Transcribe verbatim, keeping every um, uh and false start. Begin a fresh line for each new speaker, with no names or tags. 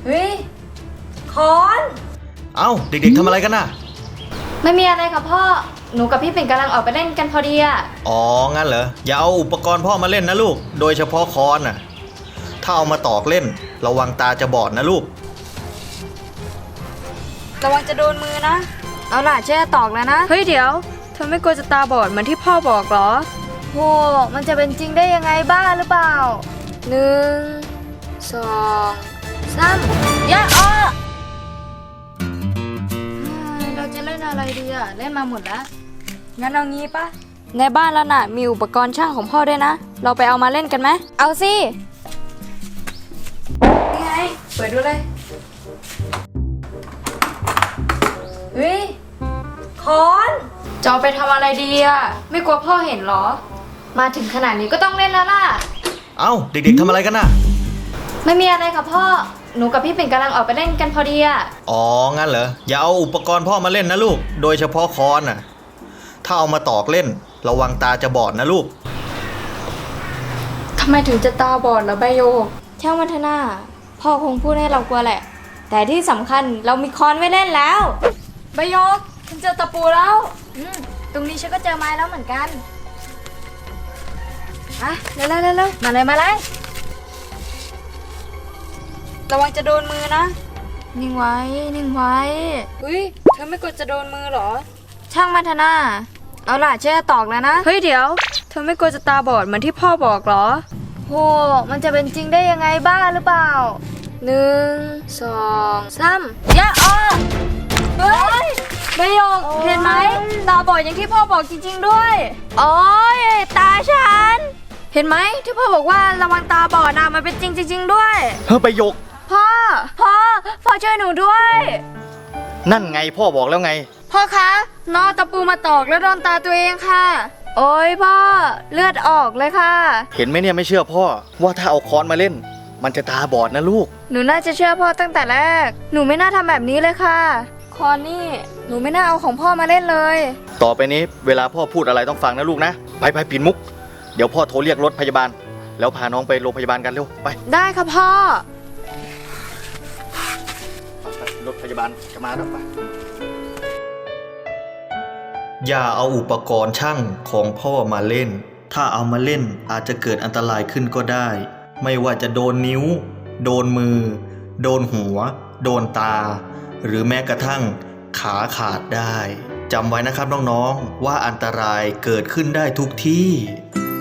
เฮ้ยคอน
เอ้าเด็กๆทำอะไรกันน่ะ
ไม่มีอะไรค่ะพ่อหนูกับพี่ปิ่นกำลังออกไปเล่นกันพอดีอะ
อ๋องั้นเหรออย่าเอาอุปกรณ์พ่อมาเล่นนะลูกโดยเฉพาะค้อนน่ะถ้าเอามาตอกเล่นระวังตาจะบอดนะลูก
ระวังจะโดนมือนะเอาล่ะเชื่อตอกแล้วนะเฮ้ยเดี๋ยวเธอไม่กลัวจะตาบอดเหมือนที่พ่อบอกหรอโหมันจะเป็นจริงได้ยังไงบ้าหรือเปล่าหนึ่งสองสามยะอ้อเราจะเล่นอะไรดีอะเล่นมาหมดแล้วงั้นเอางี้ปะในบ้านแล้วน่ะมีอุปกรณ์ช่างของพ่อด้วยนะเราไปเอามาเล่นกันไหมเอาสินี่ไงเปิดดูเลยเฮ้ยคอนจะเอาไปทำอะไรดีอะไม่กลัวพ่อเห็นหรอมาถึงขนาดนี้ก็ต้องเล่นแล้วล่ะ
เอ้าเด็กๆทำอะไรกันน่ะ
ไม่มีอะไรค่ะพ่อหนูกับพี่ปิ่นกำลังออกไปเล่นกันพอดีอะ
อ๋องั้นเหรออย่าเอาอุปกรณ์พ่อมาเล่นนะลูกโดยเฉพาะค้อนน่ะถ้าเอามาตอกเล่นระวังตาจะบอดนะลูก
ทำไมถึงจะตาบอดเหรอใบโยช่างมันเถอะนะพ่อคงพูดให้เรากลัวแหละแต่ที่สำคัญเรามีค้อนไว้เล่นแล้วใบโยฉันเจอตะปูแล้วอืมตรงนี้ฉันก็เจอไม้แล้วเหมือนกันอ่ะเร็วๆเร็วๆมาเลยมาเลยระวังจะโดนมือนะนิ่งไว้นิ่งไว้อุ้ยเธอไม่กลัวจะโดนมือหรอช่างมันเถอะนะเอาล่ะเชื่อตอกแล้วนะเฮ้ยเดี๋ยวเธอไม่กลัวจะตาบอดเหมือนที่พ่อบอกหรอโหมันจะเป็นจริงได้ยังไงบ้าหรือเปล่าหนึ่งสองสามยะอ้อเฮ้ยใบหยกเห็นไหมตาบอดอย่างที่พ่อบอกจริงๆด้วยโอ้ยตาฉันเห็นไหมที่พ่อบอกว่าระวังตาบอดนะมันเป็นจริงจริงๆด้วย
เฮ้ยไปยก
พ่อพ่อพ่อช่วยหนูด้วย
นั่นไงพ่อบอกแล้วไง
พ่อคะน้องตะปูมาตอกแล้วโดนตาตัวเองค่ะโอ้ยพ่อเลือดออกเลยค่ะ
เห็นไหมเนี่ยไม่เชื่อพ่อว่าถ้าเอาค้อนมาเล่นมันจะตาบอดนะลูก
หนูน่าจะเชื่อพ่อตั้งแต่แรกหนูไม่น่าทำแบบนี้เลยค่ะคอนนี่หนูไม่น่าเอาของพ่อมาเล่นเลย
ต่อไปนี้เวลาพ่อพูดอะไรต้องฟังนะลูกนะไปไปปิ่นมุกเดี๋ยวพ่อโทรเรียกรถพยาบาลแล้วพาน้องไปโรงพยาบาลกันเร็วไป
ได้ค่ะพ่อ
รถพยาบาลจะมาแล้วไปอย่าเอาอุปกรณ์ช่างของพ่อมาเล่นถ้าเอามาเล่นอาจจะเกิดอันตรายขึ้นก็ได้ไม่ว่าจะโดนนิ้วโดนมือโดนหัวโดนตาหรือแม้กระทั่งขาขาดได้จำไว้นะครับน้องๆว่าอันตรายเกิดขึ้นได้ทุกที่